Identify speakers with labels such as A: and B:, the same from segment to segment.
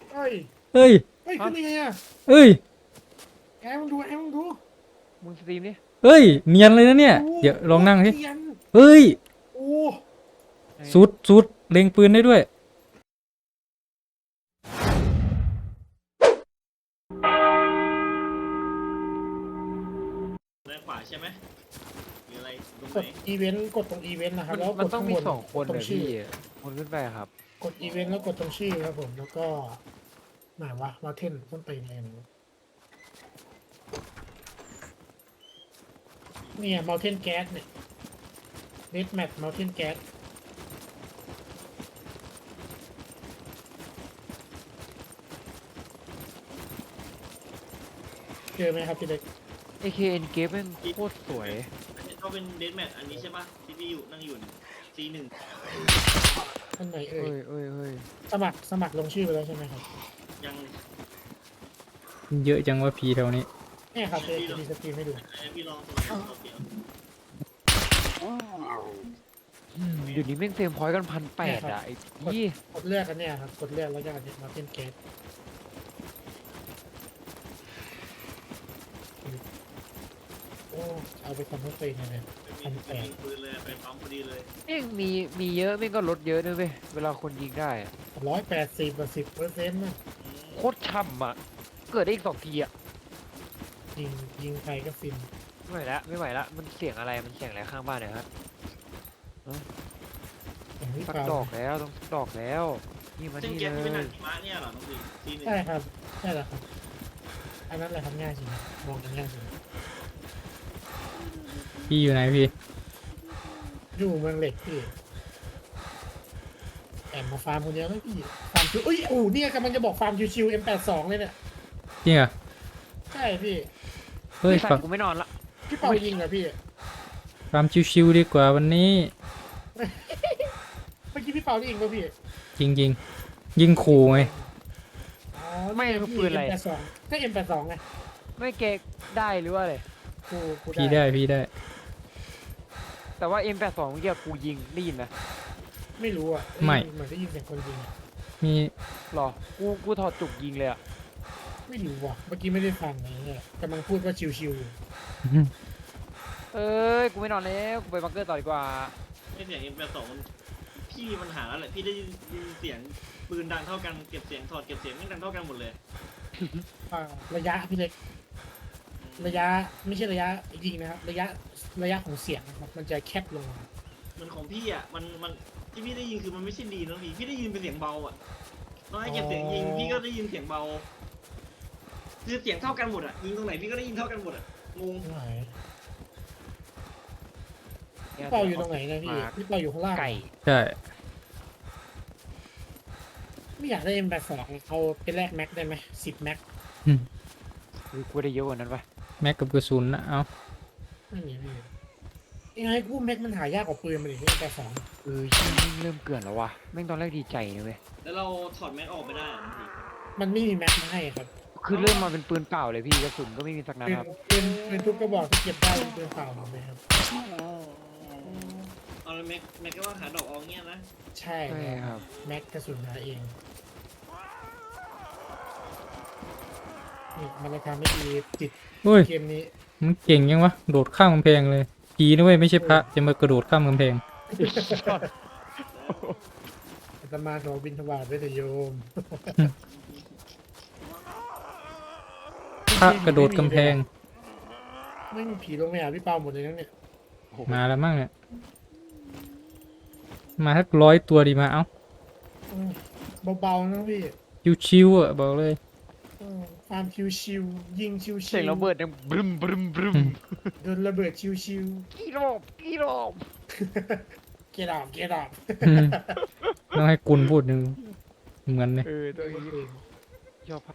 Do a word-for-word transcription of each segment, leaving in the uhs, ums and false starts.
A: เฮ้ย
B: เฮ้ย
A: เฮ้ยขึ้นยังไงอะ
B: เฮ้ย
A: แอมมึงดูแอมมึงดู
C: มึงสตรีมนี่
B: เฮ้ยเนียนเลยนะเนี่ย
A: ดู
B: เดี๋ยวล
A: โค
B: องนั่งสิ
A: ตรเนียน
B: เฮ้ย
A: โอ้
C: ไอ้
B: สุดสุดเล็งปืนได้ด้วย
D: ด้านขวาใช่ไหมหรืออะไรตรง
A: ก
D: ไหน
A: ดอีเวนต์กดตรงอีเวนต์นะครั
C: มั
A: บ
C: น
A: แล้ว
C: มัน
A: กด
C: ต้อง
A: ข้าง
C: มี
A: บน
C: สองคน
A: ตร
C: เล
A: ง
C: ย
A: ชื่อ
C: พี่คนขึ้นไปครับ
A: กดอีเวนต์แล้วกดตรงชื่อครับผมแล้วก็ไหนวะมาเทนต้นตีนอะไรนะเนี่ยมาเทนแก๊สเนี่ยเนตแมทมาเทนแก๊สเจอไหมครับพี่เล็ก
C: เอ เค เอ็น เกมแม่งโคตรสวย
D: อันนี้เขาเป็นเดนแมทอันนี้ใช่ปะที่พี่อยู่นั่งอยู่เนี่ยซีหนึ่ง
A: อันไหนเอ่
C: เอ้
A: ย
C: ยเอ้ยเอ้ย
A: สมัครสมัครลงชื่อไปแล้วใช่ไหมครับ
D: ยัง
B: เยอะจังว่าพีแถวนี้
A: เนี่ยครับเดี๋ยวจะมีสตรีมให้ดู
D: ไอพี่ลองสมัครโอเค
C: อืมเดี๋ยวนี้แม่งเฟรมพอยต์กันพันแปดอะไอ้พี่
A: กดเลือกกันเนี่ยครับกดเลือกแล้วก็อันนี้มาเทนแก๊สโอ้เอาไปทำให้ตัวเองเลยเนี่ย
D: ไม่มีไม่มีปืนเลยไปปั๊มพอดีเลย
C: แม่งมีมีเยอะแม่งก็ลดเยอะด้วยเว้ยเวลาคนยิงได้อะ
A: ร้อยแปดสิบสิบเปอร์เซ็นต์นะ
D: อืม
C: โคตรช่ำอะเกิดได้อีกสองทีอะ
A: ยิงยิงใครก็ฟิน
C: ไม่ไหวละไม่ไหวละมันเสียงอะไรมันเสียงอะไรข้างบ้านเนี่ยครับ
A: อย่างที่
C: สัก
A: เปล่า
C: ดอกแล้วต้องสักดอกแล้วนี่มา
D: เส้น
C: นี่
D: แก๊สที่เป็น
C: เล
D: ทาง
C: ย
D: หิมะเนี่ยเหรอน้องพี่ซีหนึ่ง
A: ใช่ครับใช่แหละครับอันนั้นแหละทำง่ายจริงมองกันง่ายจริง
B: พี่อยู่ไหนพี่
A: อยู่เมืองเหล็กพี่แอบมาฟาร์มคนเดียวเลยพี่ฟาร์มชิวอุ้ยโอ้เนี่ยกำลังจะบอกฟาร์มชิวๆ เอ็ม แปดสิบสอง เลยเนี่ย
B: จริงเหรอ
A: ใช่พี่
B: เฮ้ย
C: ไอ้สัต
B: ฝัก
C: ว์กูไม่นอนละ
A: พี่เป่ายิงเหรอพี่
B: ฟาร์มชิวๆดีกว่าวันนี้
A: เมื่อกี้พี่เป่าได้ยิงป่ะพี่
B: จริงจริงๆยิงขู่ไง
A: อ๋อ
C: ไม่คือปืนอะไร
A: เอ็มแปดสิบสองก็ เอ็ม แปดสิบสอง ไง
C: ไม่เกกได้หรือว่าอะไร
A: กูกู
B: พี่ได้พี่ได้
C: แต่ว่า เอ็ม แปดสิบสอง เมื่อกี้กูยิงได้ยินนะ
A: ไม่รู้อ่ะ
B: ไม่
A: เหมือนได้ยินเสียงคนยิงอะ
B: มี
C: หรอกูกูถอดจุกยิงเลยอะ
A: ไม่รู้ว่ะเมื่อกี้ไม่ได้ฟังอะไรเนี่ยกำลังพูดว่าชิวๆอยู่
C: เอ้ยกูไม่นอนแล้วกูไปบังเกอร์ต่อดีกว่า
D: ไม่เสียงเอ็มแปดสองมันพี่มีปัญหาแล้วแหละพี่ได้ยินเสียงปืนดังเท่ากันเก็บเสียงถอดเก็บเสียงไม่ดังเท่ากันหมดเลย
A: อ่าระยะพี่เล็กระยะไม่ใช่ระยะยิงนะครับระยะระยะของเสียงนะครับมันจะแคบลงมา
D: มันของพี่อ่ะมันมันที่พี่ได้ยินคือมันไม่ใช่ดีนะพี่พี่ได้ยินเป็นเสียงเบาอ่ะตอนให้เก็บเสียงยิงพี่ก็ได้ยินเสียงเบาคือเสียงเท่ากันหมดอ่ะยิงตรงไหนพี่ก็ได้ยินเท่ากันหมดอ่ะงง
A: ไหนพี่เป่าอยู่ตรงไหนนะพี่พี่เป่าอยู่ข้างล่าง
C: ไก่
B: ใช่
A: ไม่อยากได้ เอ็ม แปดสิบสอง เอาไปแลกแม็กได้ไหมสิบแม็ก
B: อืม
C: เฮ้ยกูได้เยอะกว่านั้นปะ
B: แม็กกับกระสุนนะเอา
A: ไม่มีพี่ยังไงกูแม็กมันหายากกว่าปืนมันอีก เอ็ม แปดสิบสอง
C: เออชิ้นแม่งเริ่มเกลื่อนแล้ววะแม่งตอนแรกดีใจนะเว้ย
D: แล้วเราถอดแม็กออกไม่ได้อะพี่
A: มันไม่มีแม็กมาให้ครับ
C: คือเริ่มมาเป็นปืนเปล่าเลยพี่กระสุนก็ไม่มีสักนัด
A: เป็น
C: ครับ
A: เป็นเป็นทุกกระบอกที่เก็บได้เป็นปืนเปล่าหมดเลยครับ
D: เอาแล้วแม็กแม็กก็ว่าหาดอกเอาเงี้ยนะ
A: ใช่
C: ใช่ครับ
A: แม็กกระสุนหาเองนี่มันราคาไม่ดีติด
B: เฮ้ย
A: เกมนี้
B: มันเก่งยังวะโดดข้ามกำแพงเลยผีนะเว้ยไม่ใช่พระจะมากระโดดข้ามกำแพง
A: อาตมาขอบินทบาทไว้เถอะโยม
B: พระกระโดดกำแพง
A: ไม่มีผีลงไปหาพี่เปาหมดเลยนะเนี่ย
B: มาแล้วมั่งเนี่ยมาทักร้อยตัวดีมาเอ้า
A: อืมเบาๆนะพี่
B: ชิวๆอ่ะบอกเลย
A: อืมความชิวๆยิงชิวๆ
C: เสียงระเบิดดังบรึมบรึมบรึม
B: อืม
A: โดนระเบิดชิว
C: กี่รอบกี่รอบ
A: ๆเกดอบเกดอบ
B: อืมต้องให้กุลพูดหนึ่งเหมือนเลย
C: เออตัวนี้ชอบพัก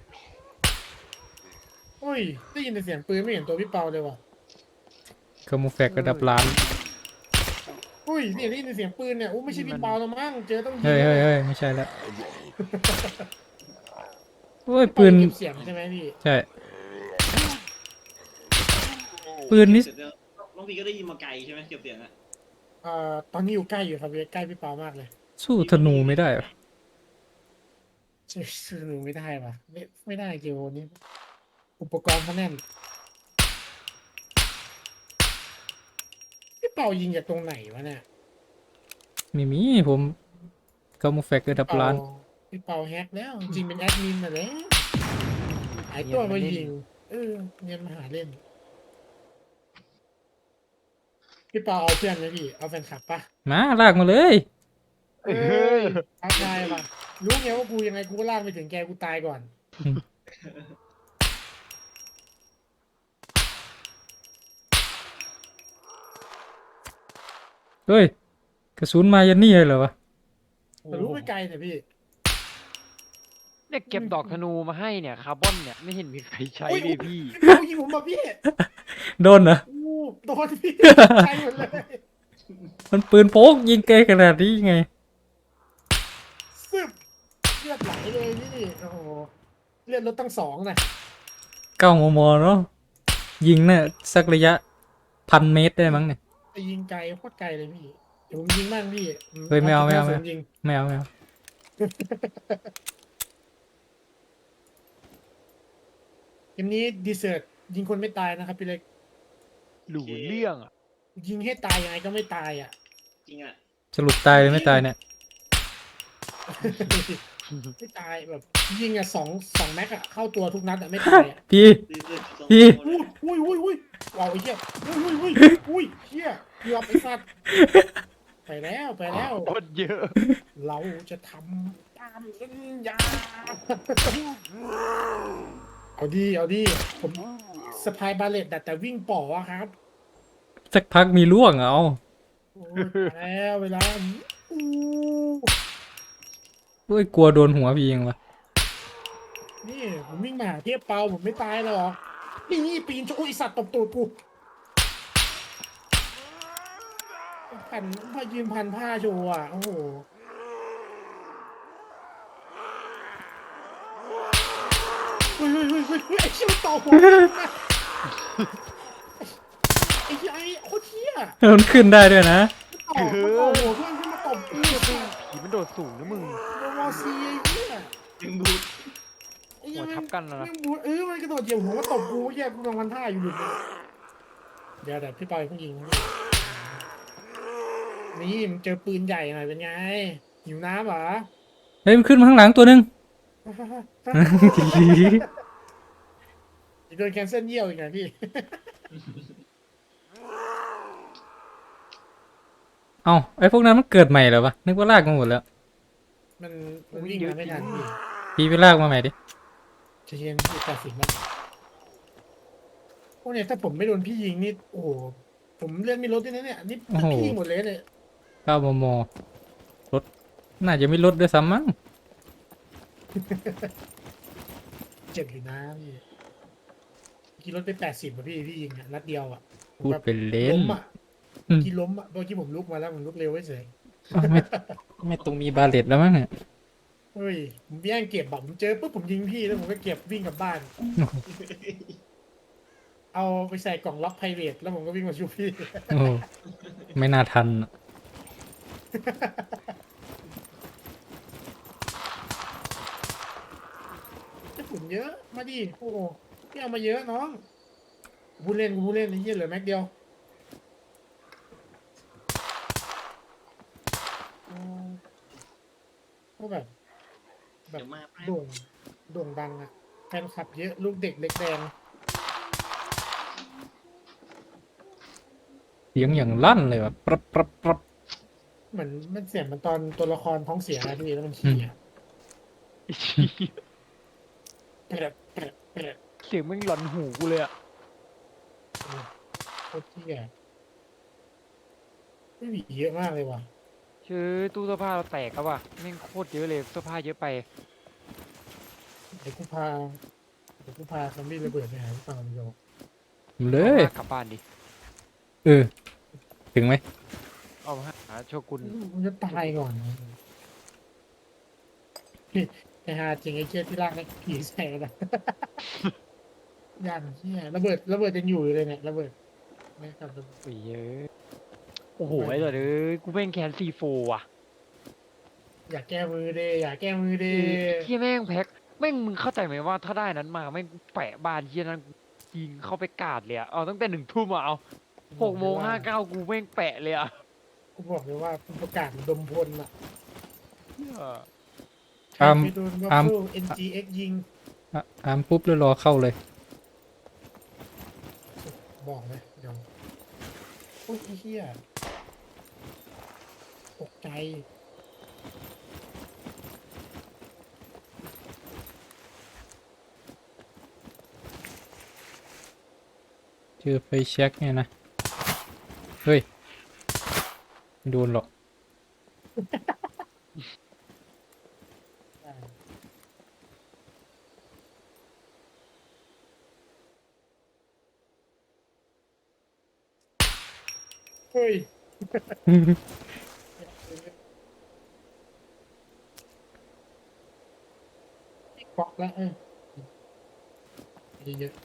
A: โอ้ยได้ยินแต่เสียงปืนไม่เห็นตัวพี่เปาเลยว่ะ
B: คามูแฟกระดับล้าน
A: อุ้ยเนี่ยได้ยินแต่เสียงปืนเนี่ยโอ้ไม่ใช่พี่เปาแล้วมั้งเจอต้องยิง
B: เฮ้ยเฮ้ยเฮ้ยไม่ใช่แล้วโอ้ย
A: พี่
B: ปื
A: เปาน เก็บเสียงใช่ไหมพี่
B: ใช่ ปืนนี่
D: เสร็จแล้วน้องพี่ก็ได้ยินมาไกลใช่ไหมเก็บเสียงอะ
A: เอ่อตอนนี้อยู่ใกล้อยู่ครับใกล้พี่เปามากเลย
B: สู้ธนูไม่ได้เหรอ
A: ช่วยช่วยหนูไม่ได้ปะไม่ไม่ได้เกมนี้อุปกรณ์เขาแน่นพี่เป่ายิงจากตรงไหนวะเนี่ย
B: ไม่มีผมกามูแฟกระดับ
A: พี่เป่า
B: ล้าน
A: พี่เป่าแฮกแล้วจริงๆเป็นแอดมินน่ะแหละหาย
C: เนี
A: ตั
C: ย
A: วน
C: มา
A: มา
C: เล่น
A: ยิงเออเงินมาหาเล่นพี่เป่าเอาเพื่อนไหมพี่เอาแฟนคลับปะ
B: มาลากมาเลย
A: เอ้ยท้าทายปะรู้ไงว่ากูยังไงกูก็ลากไปถึงแกกูตายก่อน
B: เฮ้ยกระสุนมายันนี่เลยเหรอวะ
A: แต่รู้ไม่ไกลแต่พี่
C: เนี่ยเก็บดอกธนูมาให้เนี่ยคาร์บอนเนี่ยไม่เห็นมีใครใช้
A: โอ้ย
C: เลยพี่
A: เขายิงผมมาพี่
B: โดนเหรอ
A: อู้โดนพี่ใช่หมดเลย
B: มันปืนพกยิงไกลขนาดนี้ไง
A: ซึบเลือดไหลเลยพี่โอ้โหเลือดลดตั้งสองนะ
B: เก้ามมเนาะยิงเนี่ยสักระยะพันเมตรได้มั้งเนี่ย
A: ไปยิงไกลโคตรไกลเลยพี่เดี๋ยวผมยิงบ้างพี่
B: เฮ้ยไม่เอาไม่เอา
A: จุด
B: ไม่
A: ห้
B: เอา
A: ศูนย์ยิง
B: ไม่เอาไม่เอา
A: เกมนี้ดีเซิร์ตยิงคนไม่ตายนะครับพี่เล็ก
C: หลูเรื่องอ่ะ
A: ยิงให้ตายยังไงก็ไม่ตายอ่ะ
D: จริงอ่ะ
B: สรุปตายหรือไม่ตายเนี่ย
A: ไม่ตายแบบยิงอ่ะสองสองแม็กอ่ะเข้าตัวทุกนัดอ่ะไม่ตายอ่ะ
B: พี่
D: ดีสุดสอง
B: พี่
D: ตัวเล
A: อุ้
D: ย
A: ยอุ้ยอุ้ยอุ้ยว้าวไอ้เหี้ยอุ้ยอุ้ยอุ้ยอุ้ยเหี้ยเกือบไอ้สัตว์ไปแล้วไปแล้ว
C: โคตรเยอะ
A: เราจะทำตามสัญญาเอาดีเอาดีผมสปายบาเลตแต่แต่วิ่งป่ออะครับ
B: สักพักมีล่วงเอา
A: โอ้ยตายแล้วเวลาอู้
B: เฮ้ยกลัวโดนหัวพี่ยังวะ
A: นี่ผมวิ่งมาหาเทียบเปาผมไม่ตายหรอกนี่นี่ปีนโชว์ไอสัตว์ตบตูดกูพันพายืนพันผ้าโชว์อ่ะโอ้โหเฮ้ยเฮ้ยเฮ้ยเฮ้ยเฮ้ยไอ้เชี่ยมันต่อหัวไอ้เหี้ยไอ้โคตรเชี่ย
B: มันขึ้นได้ด้วยนะ
A: ต่อมันต่อหัวเพื่อนขึ้นมาตบกู
C: ผีมันโดดสูงนะมึง
A: โมซีไอ้เหี้ย
D: ยังบูด
A: ไอ้เหี้ย
C: หัวทับกันแล้วนะ
A: แม่งบูเออมันกระโดดเหยียบหัวมาตบกูแย่กูกำลังพันท่าอยู่หลุดเลยเดี๋ยวเดี๋ยวพี่ปอยเพิ่งยิงนะนี่มันเจอปืนใหญ่หน่อยเป็นไงหิวน้ำเหรอ
B: เฮ้ยมันขึ้นมาข้างหลังตัวหนึง
A: โดนแคนเซิลเยี่ยวอีกไงพี่
B: เอ้าไอ้พวกนั้นมันเกิดใหม่เหรอวะนึกว่าลากมาหมดแล้ว
A: มันมันวิ่งมาไม่ทันพี่
B: พี่ไปลากมาใหม่ดิ
A: เชนพี่ตัดสินแล้วพวกเนี่ยถ้าผมไม่โดนพี่ยิงนี่โอ้โหผมเลื่อนไม่ลดด้วยนะเนี่ยนี่พี่ยิงหมดเลยเนี่ย
B: เก้ามมรถน่าจะไม่ลดด้วยซ้ำมั้ง
A: เจ็บอยู่นะพี่กี่รถไปแปดสิบอะพี่พี่ยิงอะนัดเดียวอะผม
B: พูด
A: แบบ
B: เป็นเล่น
A: ล้มอะ
B: อืม
A: กี่ล้มอะเมื่อกี้ผมลุกมาแล้วผมลุกเร็วไว้เฉย
B: อ้าวไม่ไม่ตรงมีบาเลตแล้วมั้งเนี่ย
A: เฮ้ยผมแย่งเก็บแบบผมเจอปุ๊บผมยิงพี่แล้วผมก็เก็บวิ่งกลับบ้าน เอาไปใส่กล่องล็อกไพรเวทแล้วผมก็วิ่งมาชูพี่
B: โอ้ไม่น่าทันอะ
A: จะฝุ่นเยอะมาดิโอ้โหพี่เอามาเยอะน้องกูพูดเล่นกูพูดเล่นไอ้เหี้ยเหลือแม็กเดียวอ๋อก็แบบ แบ
D: เดี๋
A: บ
D: ยวมาแป๊บ
A: โด่งโด่งดังอะแฟนคลับเยอะลูกเด็กเล็กแดง
B: เสียงอย่างลั่นเลยว่ะปรับปรับปรับ
A: เหมือนมันเสียงมันตอนตัวละครท้องเสียนะพี่แล้วมันขี้อะแปรดแปรดแปรด
C: เสียงมึงหลอนหูกูเลยอ่ะ
A: โคตรขี้อะไม่มีเยอะมากเลยว่ะ
C: ชื่อตู้เสื้อผ้าเราแตกแล้วว่ะแม่งโคตรเยอะเลยเสื้อผ้าเยอะไป
A: เดี๋ยวกูพาเดี๋ยวกูพาซอมบี้ระเบิดไปหาพี่ฟังโย
B: เลย
C: เอามากลับบ้านดิ
B: เออ ถึงไหม
C: เอามาหาโชกุน
A: มันจะตายก่อนพี่ไอ้ฮาจริงไอ้เชี่ยที่ลากนักผีใส่นะ ยันเชี่ยระเบิดระเบิดยังอยู่อยู่เลยเนี่ยระเบิดไม่กลับระเบิด
C: โอ้ยเยอะโอ้โหไอ้เด้อเอ้ยกูแม่งแคนซีโฟว่ะ
A: อย่าแก้มือเดอย่าแก้มือเด
C: เฮียแม่งแพ็คแม่งมึงเข้าใจไหมว่าถ้าได้นั้นมาแม่งแปะบานเฮียนั้นยิงเข้าไปกาดเลยอะเอาตั้งแต่หนึ่งทุ่มอะเอาหกโมงห้าเก้ากูแม่งแปะเลยอะ
A: กูบอกเลยว่ากูประกาศดมพลอ่ะ
C: เหี้ย
A: ใครไปโดนวัฟเฟิล เอ็น จี เอ็กซ์ ยิง
B: อ่ะอามปุ๊บแล้วรอเข้าเลย
A: บอกเลยเดี๋ยวโอ้ยไอ้เหี้ยตกใจ
B: เจอไฟแช็กเนี่ยนะ เฮ้ยไม่โดนหรอก
A: เฮ้ยเกาะแล้วเออเยอะ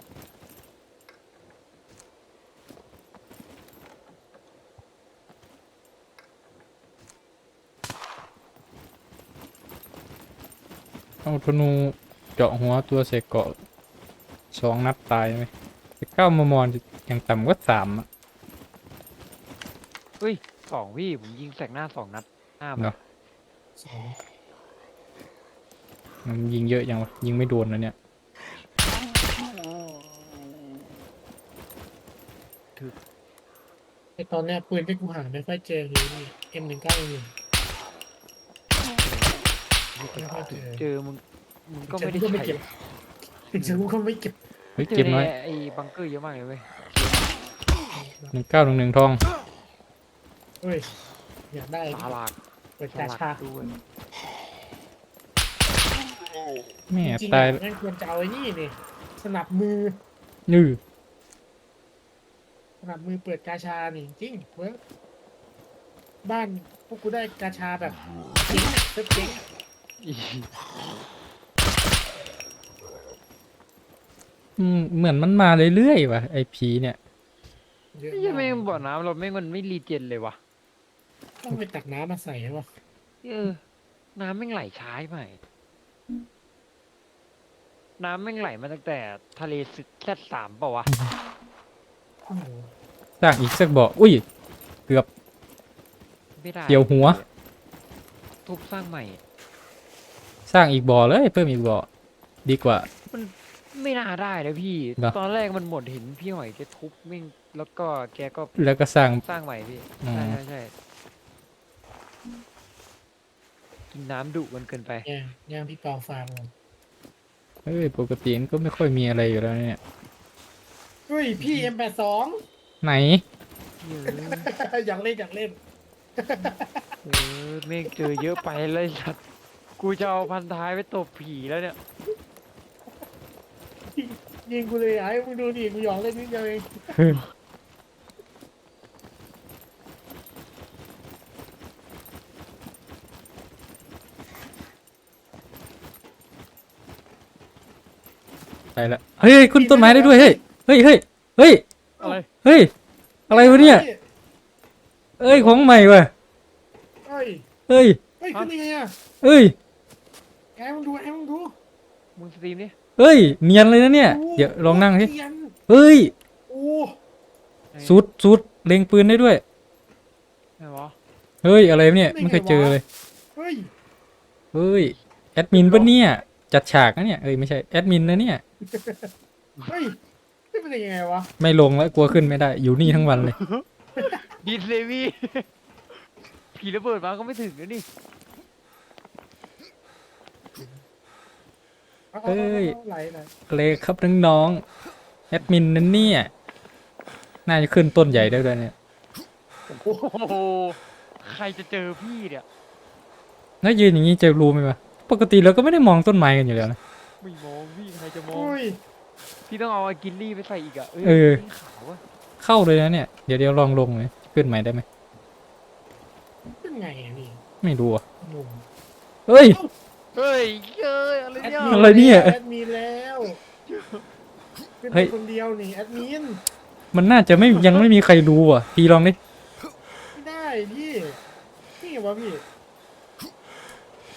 B: เอาธนูเจาะหัวตัวใส่เกาะสองนัดตายไหมแต่เก้ามมอย่างต่ำก็สามอะ
C: เฮ้ยสองพี่ผมยิงแสกหน้าสองนัดห้า
B: เนาะ
A: สอง
B: มันยิงเยอะยังวะยิงไม่โดนนะเนี่ย
A: ไอตอนเนี้ยปืนที่กูหาไม่ค่อยเจอเลยนี่ เอ็ม หนึ่งเก้าหนึ่ง ไม่ค่อยเจอ
C: เจอมึงมึงก็ไม่ได้
A: ถึงจะกูก็ไม่
C: ใช้
A: เก็บถึงจะกูก็ไม่เก็บ
B: เฮ้ย
C: เจ
B: เก็
C: อบ
B: น้อย
C: ในไอ้บังเกอร์เยอะมากเลยเว้ย
B: หนึ่งเก้าหนึ่งหนึ่งทอง
A: เฮ้ยอยากได้
C: สาลาก
A: เปิด
C: สาก
A: า
C: ลาก
A: ชา
C: ด้วย
B: แม่
A: จริงๆ
B: ตาย
A: อ่ะนั่นควรจะเอาไอ้นี่นี่สนับมือ
B: ยื้อ
A: สนับมือเปิดกาชานี่จริงเว้ยบ้านพวกกูได้กาชาแบบเจ๊งอะเซิร์ฟเจ๊งอะ
C: อี
B: อืมเหมือนมันมาเรื่อยๆว่ะไอผีเนี่ย
A: เยอะ
C: ไอ้เหี้ยัง
A: มา
C: แม่ง
A: ก
C: บ่อน้ำเราแม่งมันไม่รีเจนเลยวะ
A: ต้องไปตักน้ำมาใส่ใช่ปะ
C: เออ น้ำแม่งไหลช้าใหม่น้ำแม่งไหลมาตั้งแต่ทะเลซึแค่สามเปล่าวะ
A: โอ้โห
B: สร้างอีกสักบ่ออุ้ย เกือบ
C: ไม่ได้
B: เกี่ยวหัว
C: ทุบสร้างใหม่
B: สร้างอีกบ่อเลยเพิ่มอีกบ่อดีกว่า
C: ไม่น่าได้นะพี่
B: เหรอ
C: ตอนแรกมันหมดเห็นพี่หอยแกทุบแม่งแล้วก็แกก็
B: แล้วก็สร้าง
C: สร้างใหม่พี่
B: อืม
C: ใช่ใช่ใช่กินน้ำดุมันเกินไป
A: ย่างย่างพี่เปาฟาร์มก่อน
B: เฮ้ยปกติมันก็ไม่ค่อยมีอะไรอยู่แล้วเนี่ย
A: เฮ้ยพี่ เอ็ม แปดสิบสอง
B: ไหน
C: เยอะ
A: อยากเล่นอยากเล่น
C: เออแม่งเจอเยอะไปเลยสัตว์กูจะเอาพันท้ายไปตบผีแล้วเนี่ย
A: ยิงกูเลยไอ้มึงดูดิกูหยอกเล่นนิดเดียวเอง
B: ไปละเฮ้ยขึ้นต้นไม้ได้ด้วยเฮ้ยเฮ้ยเฮ้ยเฮ้ย
C: อะไร
B: เฮ้ยอะไรวะเนี่ยเอ้ยของใหม่ว่ะ
A: เฮ้ย
B: เฮ้ย
A: เฮ้ยขึ้นยังไงอ่ะ
B: เฮ้ย
A: ไอ้มึงดูไอ้มึงดู
C: มึงสตรีมดิ
B: เฮ้ยเนียนเลยนะเนี่ยเดี๋ยวลองนั่งสิ
A: เทียน
B: เฮ้ย
A: โอ้
B: สุดสุดเล็งปืนได้ด้วย
C: ไงวะ
B: เฮ้ยอะไรวะเนี่ยไม่เคยเจอเลย
A: เฮ้ย
B: เฮ้ยแอดมินปะเนี่ยจัดฉากนะเนี่ยเอ้ยไม่ใช่แอดมินนะเนี่ย
A: เฮ้ยนี่เป็นยังไงวะ
B: ไม่ลงแล้วกลัวขึ้นไม่ได้อยู่นี่ทั้งวันเลย
C: ดีดเลวี่ ผีระเบิดมาก็ไม่ถึงนะนี่
A: อา
B: เอ้ย
A: อาไหลไหล
B: เลยครับน้องๆแอดมินนั่นเนี่ยน่าจะขึ้นต้นใหญ่ได้ด้วยเนี่ย
C: โอ้โหใครจะเจอพี่เนี่ย
B: แล้วยืนอย่างนี้จะรู้ไหมวะปกติเราก็ไม่ได้มองต้นไม้กันอยู่แล้วนะ
C: ไม่มองพี่ใครจะมอง
A: โอ้ย
C: พี่ต้องเอาอากินลี่ไปใส่อีกอะ
B: เออ
C: นี่ขาวอะ
B: เข้าเลยนะเนี่ยเดี๋ยวเดี๋ยวลองลงเลยขึ้นใหม่ได้ไหม
A: เป็นไงอ่ะนี่
B: ไม่รู้อ่ะ
A: หนุ่ม
B: เฮ้ย
C: เฮ้ยเย้ยอะไรเนี่ย
B: อะไรเนี่ย
A: แอดมินแล้วเป็น
B: เฮ้ย
A: คนเดียวนี่แอดมิน
B: มันน่าจะไม่ยังไม่มีใครรู้อ่ะพี่ลองดิ
A: ไม่ได้พี่นี่ไงวะพี่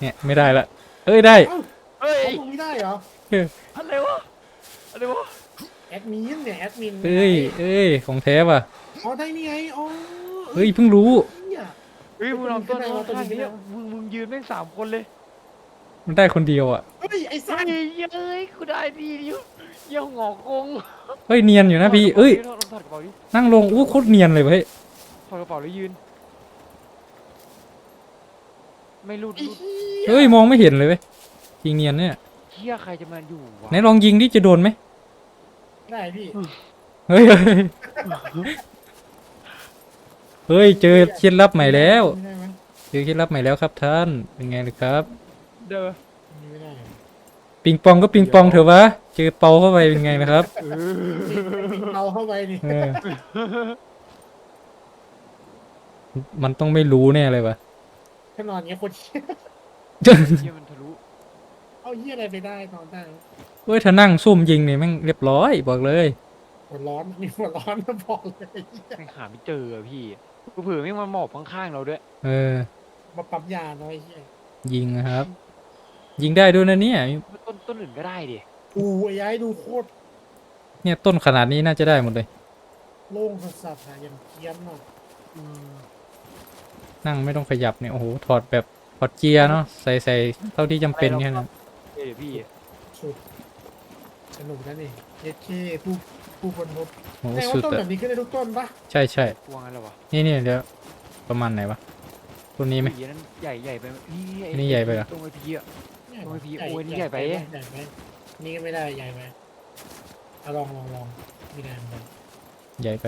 B: เนี่ยไม่ได้ละเอ้ยได้
A: เอ้า
C: เฮ้ย
A: เอาตรงนี้ได้เหรอ
C: อะไรวะอะไรวะ
A: แอดมินเนี่ยแอดมิน
B: เอ้ยเอ้ยของแท้ว่ะ
A: อ๋อได้นี่ไงอ๋อ
B: เฮ้ยเพิ่งรู้
A: เหี้ย
C: เฮ้ยมึงลองต้น
A: ตัวนี้
C: เอา
A: ขึ้นได้วะตัวนี้
C: ข้าง
A: ขึ้นได้
C: เนี้ยว
A: ะ
C: มึงมึงยืนแม่งสามคนเลย
B: มันได้คนเดียวอ่ะ
A: เฮ้ยไอ้สั
C: เฮ้
A: ส
C: ยเย้ยกูได้ดีเดียวเยี่ยงอกง
B: เฮ้ยเนียนอยู่นะพี่เอ้ย
C: ถอดถอดกระเป๋าดิ
B: นั่งลงอู้โคตรเนียนเลยเว้ย
C: ถอดกระเป๋าแล้วยืน ไม่รูด
A: ไอ้
C: รูด
A: เหี้ย
B: เฮ้ยมองไม่เห็นเลยเว้ยยิงเนียนเนี่ย
C: เฮียใครจะมาอยู่วะ
B: ไหนลองยิงดิจะโดนไหม
A: ได้พี่
B: เฮ้ยเฮ้ยเฮ้ยเจอเคล็ดลับใหม่แล้ว
A: ไม่ได้ไหม
B: เจอเคล็ดลับใหม่แล้วครับท่านเป็นไงล่ะครับ
C: เด้อ
A: ไม่ได้
B: ปิงปองก็ปิงปองเถอะวะเจอเปาเข้าไปเป็นไงนะครับ
C: เออ
A: เอาเข้าไปนี่
B: เออมันต้องไม่รู้แน่เลยวะ
A: ถ้านอนเงี้ยคนเหี้ย
C: เฮียมันทะลุ
A: เอาเหี้ยอะไรไปได้นอนได้
B: เฮ้ยถ้านั่งซุ่มยิงเนี่ยแม่งเรียบร้อยบอกเลย
A: หัวร้อนมีหัวร้อนมาบอกเลย
C: แม่งหาไม่เจออะพี่กูเผื่อแม่งมาหมอบข้างๆเราด้วย
B: เออ
A: มาปั๊มยาน้อยเหี้ย
B: ยิงนะครับ ยิงได้ด้วยนะเนี่ย
C: ต้นต้นอื่นก็ได้ดิ
A: อู้ไอ้ย้ายดูโคตร
B: เนี่ยต้นขนาดนี้น่าจะได้หมดเลย
A: โล่งสัสๆอะอย่างเกียมอ่ะ
C: อืม
B: นั่งไม่ต้องขยับเนี่ยโอ้โหถอดแบบถอดเกียร์เนาะใส่ใส่เท่าที่จำเป็นแค่นั้น
C: เดี๋ยวพี่
A: สุดสนุกนะนี่เอเคผู้ผู้คนพบ
B: โอ้โห
A: แสดง
B: สุ
A: ว่า
B: ด
A: ต้นแบ
B: อะ
A: บนี้ขึ้นได้ทุกต้นปะ
B: ใช่ใช่
C: กลัวงั้นเหรอวะ
B: นี่นี่เดี๋ยวประมาณไหนวะต้นนี้ไหม
C: ผีนั้นใหญ่ใหญ่ไปไหมนี่ไอ้
B: นี่ใหญ่ไปเหรอ
C: ตรงไอ้พี่อะ โอ้ยพี่
A: ใหญ่
C: โอ้ยนี่ใหญ่ไป
A: ใหญ่ไปนี่ก็ไม่ได้ใหญ่ไปเอาลองลองลองไม่ได้ไม่ได้
B: ใหญ่ไป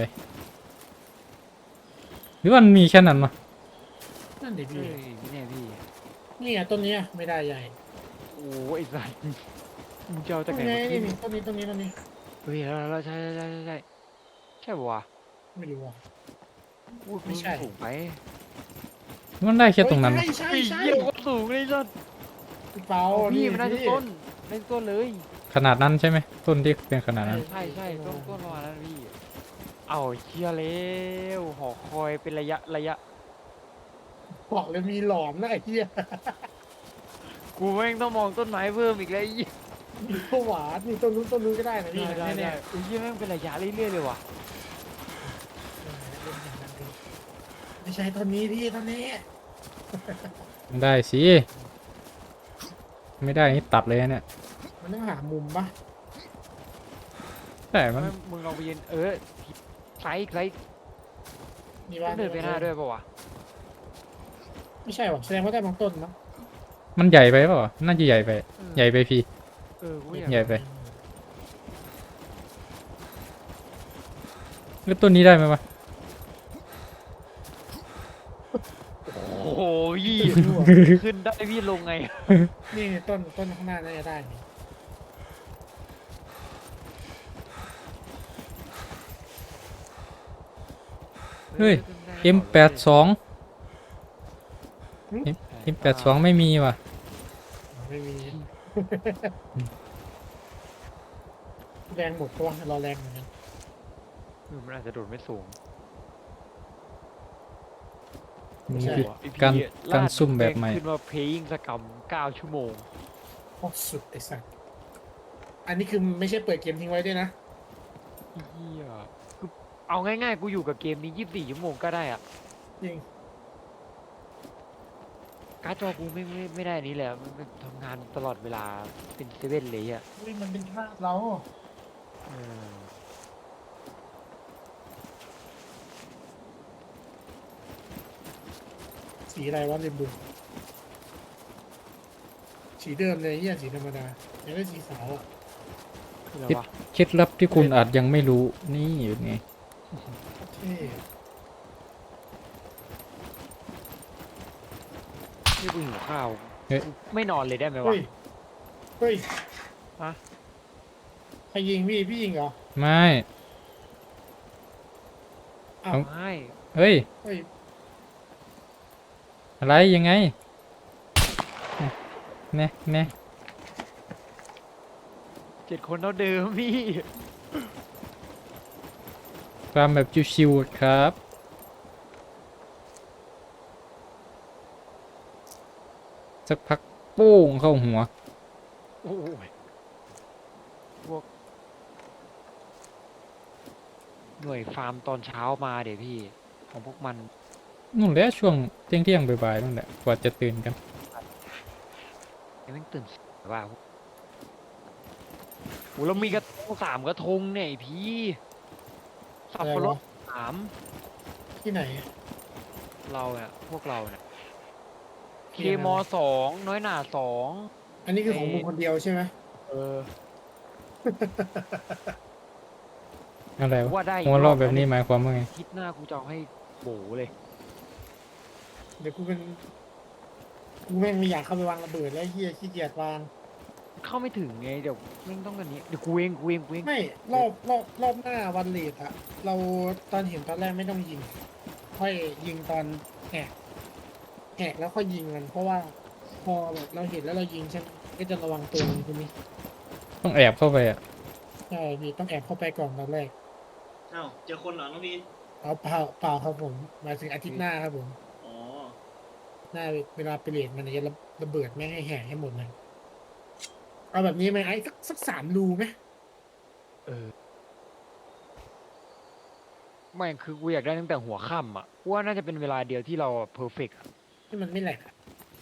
B: หรือว่ามันมีแค่นั้นวะ
A: นั่นดิ
C: เฮ้
A: พี่
C: ยพี่แน่พี่
A: นี่ไงต้นเนี้ยไม่ได้ใหญ่
C: โอ้ยไอ้สัสมึงจะเอา
A: ต้
C: จาก
A: น
C: ไหน
A: นี้
C: มา
A: นี่
C: ขึ้น
A: นี่ต้นนี้ต้นนี้ต้นนี้
C: เฮ้ยแล้วแล้วใช่ใช่ใช่ใช่ใช่ใช่ปะวะ
A: ไม่รู้อ่ะ
C: อุ้ย
A: ไม่ใช่
C: สูงไป
B: มันได้แค่ตรงนั้น
A: เฮ้
B: วะ
A: ยใช่
C: ไอ้
A: ใช่
C: เหี้ย
A: ใช่
C: ก็สูงเลยสัส
A: พี่เปา
C: พี่มันได้ทุก
A: พี่
C: ต้นได้ทุกต้นเลย
B: ขนาดนั้นใช่ไหมต้นที่เป็นขนาดนั้น
C: ใช่ใช่ต้นต้นประมาณนั้นพี่เอาเชียร์แล้วหอคอยเป็นระยะระยะ
A: บอกเลยมีหลอมนะไอ้เหี้ย
C: กูแม่งต้องมองต้นไม้เพิ่มอีกแล้วไอ้เหี้ย
A: มีข้าวหวานมีต้นนู้นต้นนู้นก็ได้นะพี่
C: ได้ได้
A: แน่
C: ได้ไอ้เหี้ยแม่งเป็นระยะเรื่อยๆเลยว่ะ
A: ๆเล่นอย่างนั้นดูไม่ใช่ต้นนี้พี่ต้นนี้
B: ได้สิไม่ได้นี่ตัดเลยนะเนี่ย
A: มันต้องหามุมปะ
B: แต่มัน
C: แม่งมึงลองไปยืนเออไซส์ไซส์
A: มี
C: ต้
A: บ้า
C: องเดินไปหน้าด้วยปะวะ
A: ไม่ใช่หรอแสดงว่าได้บางต้นมั้ง
B: มันใหญ่ไปเปล่าวะน่าจะใหญ่ไป
C: เออ
B: ใหญ่ไปพี่
C: เออกูอยาก
B: ใหญ่ไปแล้วต้นนี้ได้ไหมวะ
C: โอ้โหพี่ขึ้นได้พี่ลงไง
A: นี่ต้นต้นข้างหน้าน่าจะได้นี่
B: เฮ้ย เอ็ม แปดสิบสอง เอ็ม แปดสิบสองไม่มีว่ะ
A: ไม่มี แรงหมดตัวรอแรงเหมือนกัน
C: เออมันอาจจะโดดไม่สูง
B: นี่
A: ใช่
B: คือ
C: ไอ้พี่
B: การ
C: ล
B: การ
C: ด
B: ซุ่มแบบใหม่
C: ขึ้นมาเพลงสกรรมเก้าชั่วโมง
A: โอ้สุดไอ้สัสอันนี้คือไม่ใช่เปิดเกมทิ้งไว้ด้วยนะ
C: เฮียคือเอาง่ายๆ กูอยู่กับเกมนี้ยี่สิบสี่ชั่วโมงก็ได้อะ
A: จริง
C: การ์ดจอกูไม่ไม่ไม่ได้อันนี้แหละมันมันทำงานตลอดเวลาเป็นเซเว่นเลยอ่ะ
A: อุ้ยมันเป็นภาพเรา
C: เออ
A: สีอะไรวะลืมดูสีเดิมเลยเฮียสีธรรมดายังได้สีขาวอ่ะ
C: คืออะไรวะ
B: เคล็ดลับที่คุณอาจยังไม่รู้นี่อยู่ไง
A: เท่
C: นี่กูหิวข้าว
B: เฮ้ย
C: กูไม่นอนเลยได้ไหมวะ
A: เฮ้ยเฮ้ย
C: ฮะ
A: ใครยิงพี่พี่ยิงเหรอ
B: ไม่
A: อ้าว
C: ไม่
B: เฮ้ย
A: เฮ้ย
B: อะไรยังไงเนี่ยเนี่ย
C: เจ็ดคนเท่าเดิมพี่
B: ความแบบชิวๆครับสักพักโป้งเข้าหัว
C: โอ้ยพวกหน่วยฟาร์มตอนเช้ามาเดี๋ยวพี่ ของพวกมัน
B: นู่นแหละช่วงเที่ยงเที่ยงๆบ่ายๆนั่นแหละกว่าจะตื่นกัน
C: ยังไม่ตื่นสายว่าโหเรามีกระทงสามกระทงเนี่ยไอ้พี่สับปะรดสาม
A: ที่ไหน
C: เราเนี่ยพวกเราเนี่ยเค
A: ที่ไหน
C: มอสองน้อยหนาสอง
A: อันนี้คือของมึงคนเดียวใช่ไหม
C: เออ
B: อะไรวะ
C: ว่าได้
B: หัวรอบแบบ
C: ะ
B: นี้หมายความว่าไง
C: อาทิตย์หน้ากูจะเอาให้โบเลย
A: เดี๋ยวกูเป็นกูแม่งไม่อยากเข้าไปวางระเบิดแล้วเฮียขี้เกียจวาง
C: เข้าไม่ถึงไงเดี๋ยวแม่งต้องกันนี้เดี๋ยวกูเองกูเองกูเอง
A: ไม่รอบรอบรอบหน้าวันเลทอะเราตอนเห็นตอนแรกไม่ต้องยิง ค่อยยิงตอนแหกแหกแล้วค่อยยิงมัน เพราะว่าพอแบบเราเห็นแล้วเรายิงใช่ไหมก็จะระวังตัวมันใช่ไหม
B: ต้องแอบเข้าไปอ่ะ
A: ใช่พี่ต้องแอบเข้าไปก่อนตอนแรก
D: อ้าวเจอคนเหรอน้องพี
A: เอาเปล่าเปล่าครับผมหมายถึงอาทิตย์หน้าครับผม
D: อ๋อ
A: หน้าเวลาไปเลทมันจะระระเบิดแม่งให้แหกให้หมดเลยเอาแบบนี้ไหมไอ้สักสักสามรูไหม
C: เออไม่คือกูอยากได้ตั้งแต่หัวค่ำอ่ะกูว่าน่าจะเป็นเวลาเดียวที่เราเพอร์เฟกต์
A: ให้มันไม่แหลกอะ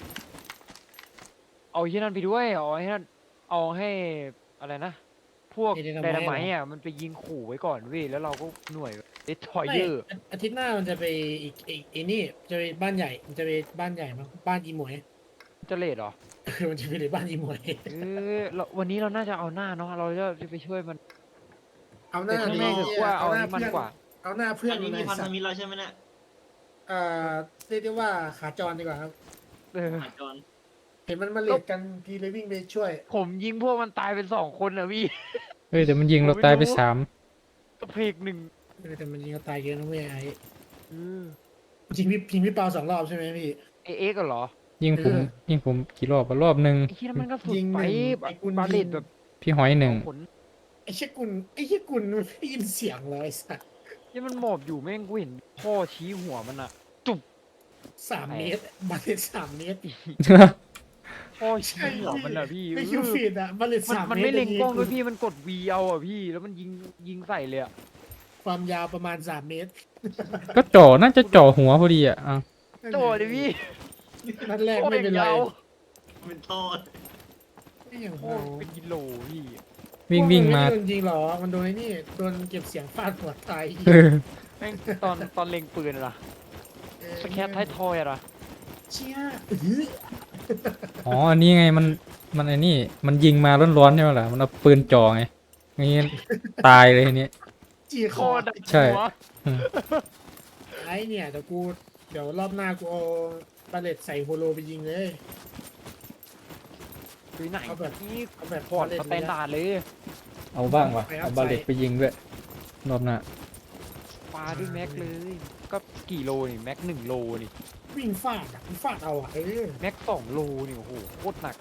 C: เอาที่นั่นไปด้วยเอาให้นั่นเอาให้อะไรนะ พวกไดนาไมต์อ่ะมันไปยิงขู่ไว้ก่อนเว้ยแล้วเราก็หน่วยเดสทอย
A: ไม่
C: เยอร์
A: อาอาทิตย์หน้ามันจะไปอีกอีกไอ้นี่จะไปบ้านใหญ่ มันจะไปบ้านใหญ่มั้งบ้านอีหมวย
C: จะเลดเหรอ
A: เออมันจะไปเลยบ้านอีหมวย
C: เออเราวันนี้เราน่าจะเอาหน้าเนาะเราจะไปช่วยมัน
A: เอาห
C: แต่
A: น้า
C: ข้าง
A: ดี
C: ในคือว่าเอา
A: หน้า
C: ให้มัน
A: เพื่อน
C: กว่า
A: เอาหน้าเพื่อน
D: อันนี้
A: ใน
D: มีพันธ
A: สัตว์
D: มิตรแล้วใช่ไหมเนี่ย
A: เอ่อเรียกได้ว่าขาจรดีกว่าครับ
C: เออ
D: หาจอน
A: เห็นมันมาเลทกันทีเลยวิ่งไปช่วย
C: ผมยิงพวกมันตายเป็นสองคนนะพี่
B: เฮ้ยแต่มันยิงเราตายไปสาม
C: กระเพกหนึ่ง
A: เออแต่มันยิงเขาตายเยอะนะเว้ยไอ้
C: เออ
A: ยิงพี่ยิงพี่เปาสองรอบใช่ไหมพี่
C: เอเอ็กซ์เหรอ
B: ยิงผม
A: เออ
B: ยิงผมกี่รอบอะรอบหนึ่ง
C: ไอ้ที่นั่นมันก็สุด
A: ยิง
C: ไป
A: หนึ่ง
C: บ
A: ไอ้กุล
C: บาเล
A: ยิ
C: ต
A: ง
C: แบบ
B: พี่หอยหนึ่ง
C: ผล
A: ไอ้เชี่ยกุลไอ้เชี่ยกุลมันได้ยินเสียงเลยไอ้สัตว์
C: ที่มันหมอบอยู่แม่งกูเห็นพ่อชี้หัวมันอะจุบ
A: สามเมตรบาเลตสามเมตร
C: พ่อชี้หัวมันอะพี่
A: ใน
C: เอ
A: คิว
C: อ
A: ฟีดอะบาเลต
C: มัน
A: สาม
C: มัน
A: เมตร
C: ไม่เล็งกล้องด้วย
A: ยิ
C: พี่มันกดวีเอาอะพี่ แล้วมันยิงยิงใส่เลยอะ
A: ความยาวประมาณสามเมตร
B: ก็จ่อน่าจะจ่อหัวพอดีอ่ะอ่ะ
C: โตเลยพี่
A: นัดแรก
C: โคต
A: ไม่เป็นไร
C: ยาว
D: เป็นทอด
A: ไม่อย่าง
C: โค
A: เรา
C: ตรเป็นกิโลพี่
B: วิ่งวิ่งมา
A: ไโดนจริงหรอ มันโดนไอ้นี่โดนเก็บเสียงฟาดหัวตาย
B: เออ
C: แม่งตอนตอนเล็งปืนอะล่ะ
A: เออ
C: สแคปท้ายทอยอะล่ะ
A: เชี่ยอื้อ
B: อ๋ออันนี้ไงมันมันไอ้นี่มันยิงมาร้อนๆใช่ไหมล่ะมันเอาปืนจ่อไงงี้ตายเลยทีนี้
A: จีค
C: โค
A: อ
C: ตร
B: ใช่
C: หัว
B: อืม
A: ไอ้เนี่ยเดี๋ยวกูเดี๋ยวรอบหน้ากูเอาบาเลตใส่โฮโลไปยิงเลย
C: คือไหน
A: เอาแบบ
C: นี่
A: เอาแบบ
C: พอร์ต
A: บาเลต
C: สแตนดาร์ดเลย
B: เอาบ้างวะ
A: ไปเอา
B: เอาบาเลต
A: ใส่
B: ไปยิงด้วยรอบหน้า
C: ปาด้วยแม็กเลย ก็กี่โลนี่แม็กหนึ่งโลนี่
A: วิ่งฟาดอะวิ่งฟาดเอาอะเออ
C: แม็กสองโลนี่โอ้โหโคตรหนัก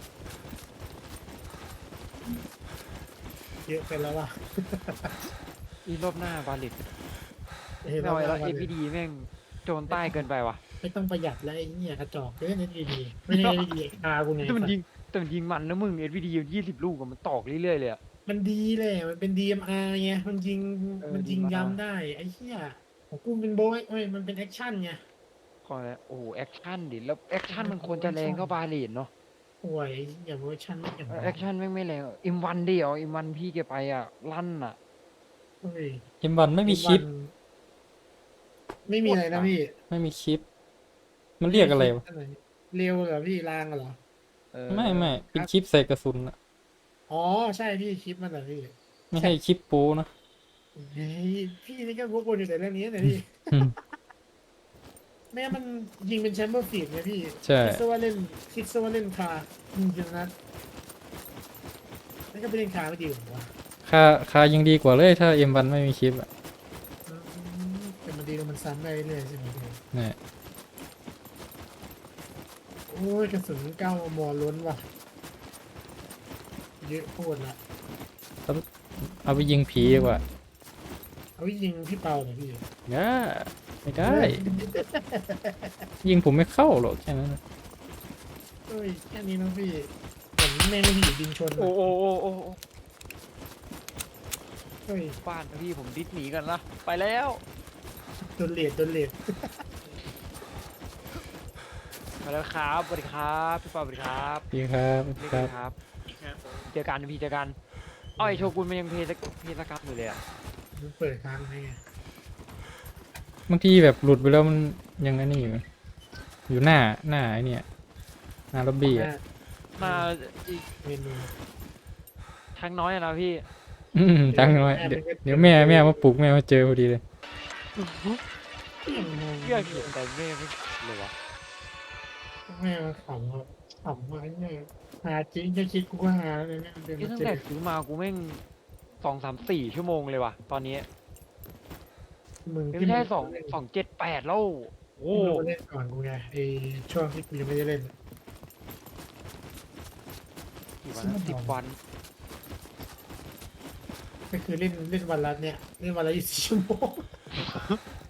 A: เยอะไปแล้วล่ะ
C: อีรอบหน้าบาเลต
A: เออ
C: ไม่เอา
A: ร
C: แล้
A: อบ
C: ว
A: หน้า
C: เอพีดีแม่งโจรใต้เกินไปว่ะ
A: ไม่ต้องประหยัดแล้วไอ้เนี่ยกระจอกเยอะนิดดีๆไม่ได้ดีๆคากูไง
C: แต่มันยิงแต่มันยิงมันนะมึงเอพีดียี่สิบลูกอะมันตอกเรื่อยๆเลยอะ
A: มันดีแหละมันเป็น ดี เอ็ม อาร์ ไงมันยิง
C: เออ
A: มันยิง
C: ดีมาก
A: ย้ำได้ไอ้เหี้ยของกูเป็นโบยเอ้ยมันเป็นแอคชั่นไง
C: ขอแล้วโอ้โหแอคชั่นดิแล้วแอคชั่นมันควรจะแรงเท่าบาเลตเนาะ
A: โอ้ยอย่าเวอร์ชันไม่อย่าง
C: แอคชั่นแม่งไม่แรงอิมวันเดียวอิมวันพี่แกไปอะลั่นอะ
A: เฮ้ย
B: เกมบอลไม่มีคลิป
A: ไม่มีอะไรนะพี่
B: ไม่มีคลิป มันเรียกอะไรวะ
A: เร็วเหรอพี่ลางเหรอ
C: เออ
B: ไม่ไม่เป็นคลิปใส่กระสุนอะ
A: อ๋อใช่พี่คลิปมันเหรอพี่
B: ไม่ใช่คลิปโป้นะ
A: เฮ้ยพี่นี่ก็วกวนอยู่แต่เรื่องนี้นะพี่
B: อืม
A: แม่มันยิงเป็นแชมเบอร์ฟีดไงพี่
B: ใช่
A: คิดซะว่าเล่นคิดซะว่าเล่นคายิงจนนัดนั่นก็ไปเล่นคาไม่ดีกว่า
B: ค่าค่ายังดีกว่าเลยถ้าเอ็มวันไม่มีคลิปอ่ะ
A: อืมแต่มันดีแล้วมันซ้ำได้เรื่อยๆใช่ไหมพี่
B: เนี่ย
A: โอ้ยกระสุนเก้ามอล้นว่ะเยอะโคตรละ
B: เอาไปยิงผีดีกว่า
A: เอาไว้ยิงพี่เปาหน่อยพี่
B: ย่าไม่ได้ ยิงผมไม่เข้าหรอกแค่นั้นนะ
A: เอ้ยแค่นี้นะพี่ผมแม่งไม่ผีบินชน
C: โอ้
A: อะ
C: โอ้โอ้โอ้โอ้
A: เฮ้ย
C: บ้านนะพี่ผมดิสหนีกันนะไปแล้ว
A: โดนเลดโดนเลด
C: ไปแล้วครับสวัสดีครับพี่ปาสวัสดีครับ
B: ดีครับ
C: เรียก
B: ครั
C: กัน
B: บ
C: ครับ
D: ครับผม
C: เจอกันพี่เจอกันอ้อยโชกุนมันยังเพลสเพลสกรรมอยู่เลยอะ
A: มันเปิดค้างให้ไง
B: บางทีแบบหลุดไปแล้วมันยังอันนี้อยู่อยู่หน้าหน้าไอ้เนี่ยหน้าล็อบบี้อ่ะ
C: มาอีก
A: เมนู
C: ทางน้อยอะนะพี่
B: อืมจังเลยเดี๋ยวเดี๋ยวแม่แม่มาปลุกแม่มาเจอพอดีเลย
C: เพื่อนเห็นแต่แม่ไม่เลยวะ
A: แม่มาขำครับขำมาเนี่ยหาจริงจะคิดกูก็หาเลยเนี่ยเดิน
C: นี่
A: มา
C: ตั้ง
A: เจ
C: แต่
A: อ
C: ซื้อมากูแม่งสองสามสี่ชั่วโมงเลยว่ะตอนนี้
A: มึง
C: ไม่ใช่สองสองเจ็ดแปดแล้วโอ้
A: โอ้เล่นก่อนกูไงไอช่วงที่กูยังไม่ได้เล่น
C: กี่วันนะสิบวัน
A: ก็คือเล่นเล่นวันละเนี่ยเล่นวันละยี่สิบชั่วโมง